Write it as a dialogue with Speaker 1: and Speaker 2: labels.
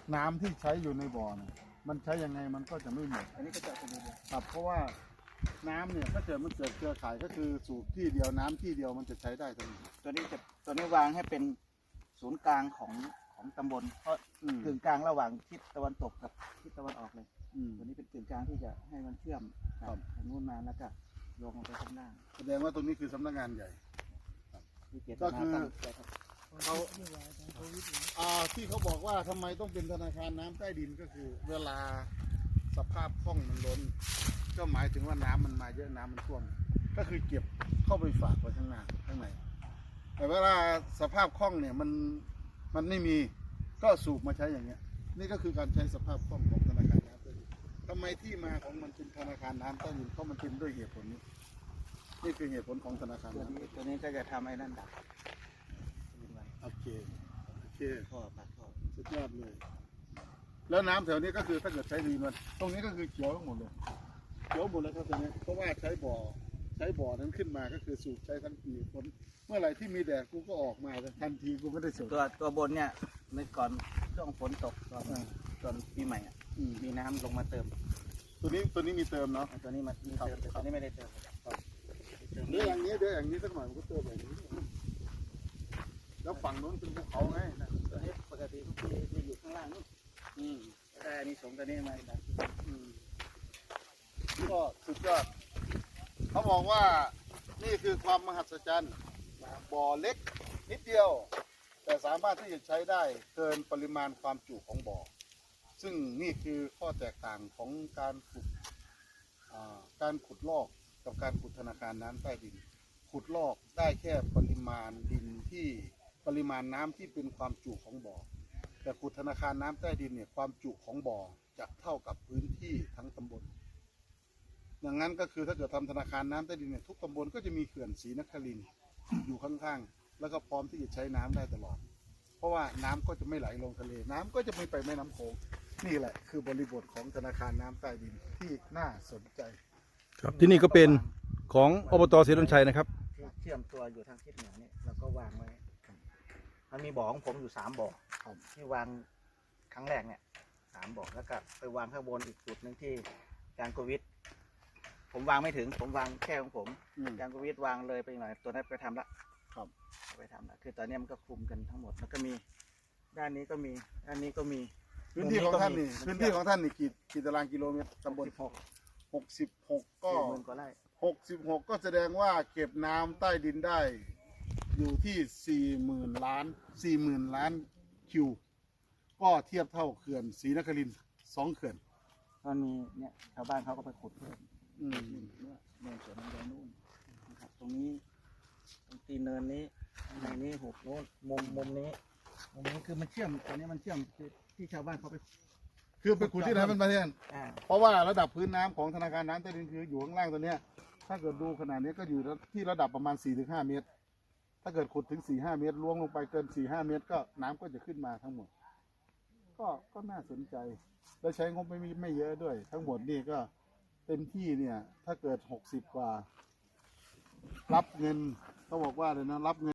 Speaker 1: น้ำที่ใช้อยู่ในบ่อเนี่ยมันใช้ยังไงมันก็จะไม่หมด
Speaker 2: อันนี้ก็จะเป็นเดียว
Speaker 1: ครับเพราะว่าน้ำเนี่ยถ้าเกิดมันเกิดเครือข่ายก็คือสูบที่เดียวน้ำที่เดียวมันจะใช้ได้ทั้งหมด
Speaker 2: ตัวนี้วางให้เป็นศูนย์กลางของตำบลเพราะกึ่งกลางระหว่างทิศตะวันตกกับทิศตะวันออกเลยตัวนี้เป็นกึ่งกลางที่จะให้มันเชื่อมกับทางนู้นมาแล้วก็ลงไปข้างล่าง
Speaker 1: แสดงว่าตรงนี้คือสำนักงานใหญ่
Speaker 2: ก็คือ
Speaker 1: เขาที่เขาบอกว่าทำไมต้องเป็นธนาคารน้ำใต้ดินก็คือ เวลาสภาพคลองมันล้นก็หมายถึงว่าน้ำมันมาเยอะน้ำมันท่วมก็คือเก็บเข้าไปฝากไว้ข้างหน้าข้างในแต่เวลาสภาพคลองเนี่ยมันไม่มีก็สูบมาใช้อย่างเงี้ยนี่ก็คือการใช้สภาพคลองของธนาคารน้ำใต้ดินทำไมที่มาของมันเป็นธนาคารน้ำใต้ดินเพราะมันเป็นด้วยเหตุผลนี้นี่คือเหตุผลของธนาคารน้ำ
Speaker 2: ตัวนี้ก็จะทำให้นั่นดับ
Speaker 1: โอเค
Speaker 2: ท่อปัดท่อ
Speaker 1: สุดยอดเลย แล้วน้ำแถวนี้ก็คือถ้าเกิดใช้ดีมันตรงนี้ก็คือเขียวทั้งหมดเลยเขียวหมดเลยครับตรงนี้เพราะว่าใช้บ่อนั้นขึ้นมาก็คือสูบใช้ทั้งปีฝนเมื่อไหร่ที่มีแดดกูก็ออกมาทันทีกูไม่ได้สูบ
Speaker 2: ตัวบนเนี่ยในก่อนช่วงฝนตกตอนปีใหม่มีน้ำลงมาเติม
Speaker 1: ตัวนี้มีเติมเนาะ
Speaker 2: ตัวนี้มีเติมแต่ตัวนี้ไม่ได้เติม
Speaker 1: เดี๋ยวอย่างนี้สักหน่อยมันก็เติมแบบนี้แล้วฝั่งโน้นเป็นภูเขาไงนะ
Speaker 2: ตัวนี้ปกติทุกปีจะอยู่ข้างล่างนู่นแต่อันนี้สงตัวนี้มาดับ
Speaker 1: ก็สุดยอดเขาบอกว่านี่คือความมหัศจรรย์บ่อเล็กนิดเดียวแต่สามารถที่จะใช้ได้เกินปริมาณความจุของบ่อซึ่งนี่คือข้อแตกต่างของการขุดลอกกับการขุดธนาคารน้ำใต้ดินขุดลอกได้แค่ปริมาณดินที่ปริมาณน้ำที่เป็นความจุของบ่อแต่ขุดธนาคารน้ำใต้ดินเนี่ยความจุของบ่อจะเท่ากับพื้นที่ทั้งตำบลอย่างนั้นก็คือถ้าเกิดทำธนาคารน้ำใต้ดินเนี่ยทุกตำบลก็จะมีเขื่อนศรีนครินทร์อยู่ข้างๆแล้วก็พร้อมที่จะใช้น้ำได้ตลอดเพราะว่าน้ำก็จะไม่ไหลลงทะเลน้ำก็จะไม่ไปแม่น้ำโขงนี่แหละคือบริบทของธนาคารน้ำใต้ดินที่น่าสนใจ
Speaker 3: ครับที่นี่ก็เป็นของอบตศรีดลชัยนะครับ
Speaker 2: เชื่อมตัวอยู่ทางทิศเหนือนี่แล้วก็วางไว้มันมีบ่อของผมอยู่3 บ่อที่วางครั้งแรกเนี่ย3 บ่อแล้วก็ไปวางข้างบนอีกจุดหนึ่งที่การโควิดผมวางไม่ถึงผมวางแค่ของผมการโควิดวางเลยไปหน่อยตัวนั้นไปทำละไปทำละคือตอนนี้มันก็คุมกันทั้งหมดแล้วก็มีด้านนี้ก็มีด้านนี้ก็มี
Speaker 1: พื้นที่ของท่านนี่กี่ตารางกิโลเมตรตำบล66ก็
Speaker 2: กว่าไร่
Speaker 1: 66ก็แสดงว่าเก็บน้ำใต้ดินได้อยู่ที่40,000 ล้านคิวก็เทียบเท่าเขื่อนศรีนครินทร์2 เขื่อน
Speaker 2: มันมีเนี่ยชาวบ้านเขาก็ไปขุดเพิ่มเนินสวนน้ำแดงนู่นนะครับตรงนี้ตรงตีเนินนี้ในนี้หุบโน้นมุมนี้คือมันเชื่อมตอนนี้มันเชื่อมที่ชาวบ้านเขาไป
Speaker 1: ขุดที่ไหนเป็นประเทศเพราะว่าระดับพื้นน้ำของธนาคารน้ำใต้ดินคืออยู่ข้างล่างตัวเนี้ยถ้าเกิดดูขนาดนี้ก็อยู่ที่ระดับประมาณ 4-5 เมตรถ้าเกิดขุดถึง 4-5 เมตรล้วงลงไปเกิน 4-5 เมตรก็น้ำก็จะขึ้นมาทั้งหมดก็น่าสนใจและใช้งบไม่เยอะด้วยทั้งหมดนี่ก็เต็มที่เนี่ยถ้าเกิด60 กว่ารับเงินเขาบอกว่าเลยนะรับเงิน